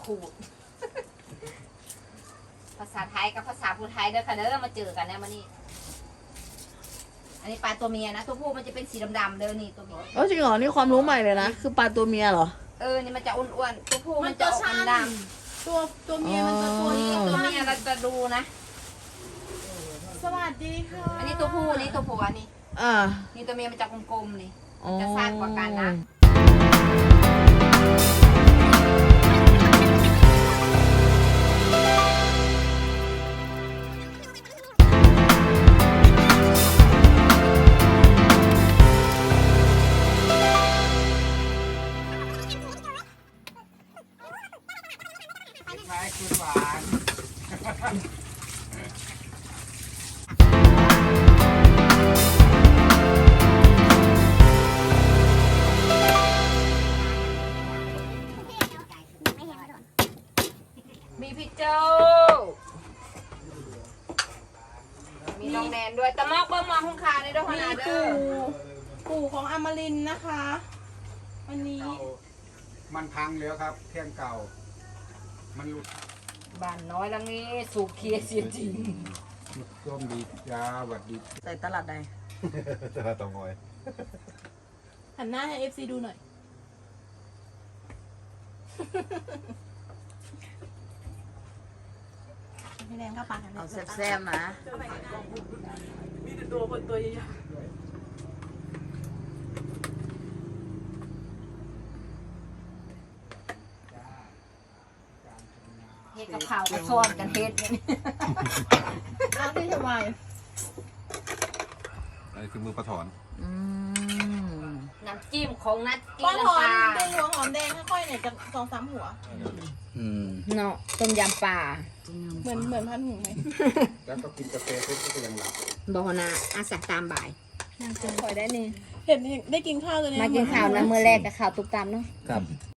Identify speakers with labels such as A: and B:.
A: ขูด ภาษาไทยกับภาษาพูไทยเด้อค่ะเด้อมาเจอกันนะมานี่อันนี้ปลาตัวเมียนะตัวผู้มันจะเป็นสีดำๆเด้อนี่ตัวเมีย
B: จริงเหรอนี่ความรู้ใหม่เลยนะคือปลาตัวเมียเหรอ
A: นี่มันจะอ้วนๆตัวผู้มันจะออกดำ
C: ตัวเมียมันจะตัวนี้
A: ตัวเมียเราจะดูนะ
C: สวัสดีค่ะ
A: อันนี้ตัวผู้อันนี้ตัวผัวนี่
B: อ่า
A: นี่ตัวเมียมันจะกลมๆนี่จะสร้างกว่ากันนะ
D: คล้ายคือหวาน
A: มีพี่โจมีน้องแนนด้วยตะมอกเบิ้มมองคุ้งคาในด้วยขนาดเด้อ
C: ปู่ของอมรินทร์นะคะ วันนี้
D: เก่ามันพังแล้วครับเครื่องเก่า มันหลุด
A: บ้านน้อยแล้วนี่สูบเคียเสียจริง
D: ร่วมดีจ้าหวัดดี
B: ใส่ตลาดใด
D: จะมาต่องอย
C: หันหน้าให้ FC ดูหน่อย ไม่แรงก็ปากกัน
B: เอาแซ่บๆนะ
C: มีแต่ตัวใหญ่
A: เฮ็ดกับข้าวกับซ้อนกันเฮ็ดเนี่ย
C: ๆเอาที่สบาย
E: อันนี้คือมือปลาถอน
B: อืม
A: น้ำจิ้มของนัดกิ
C: ป้อน น
A: น้ำ
C: หอ
A: ปลาม
C: เป็นหัวหอมแดงค่อยๆเนี่ยจะ2-3 หัว
A: เนาะต้มยำปลา
C: เหมือนพันหูไหม
D: แล้วก็กินกาแฟเสร็จก็ยังหลับ
A: บ่นะอาสักตามบ่าย
C: น่าจะคอยได้นี่เห็นได้กินข้าวเลยเนี่ย
A: มากินข้าวนะมื้อแรกกับข้าวตุกตามเนาะ
E: ครับ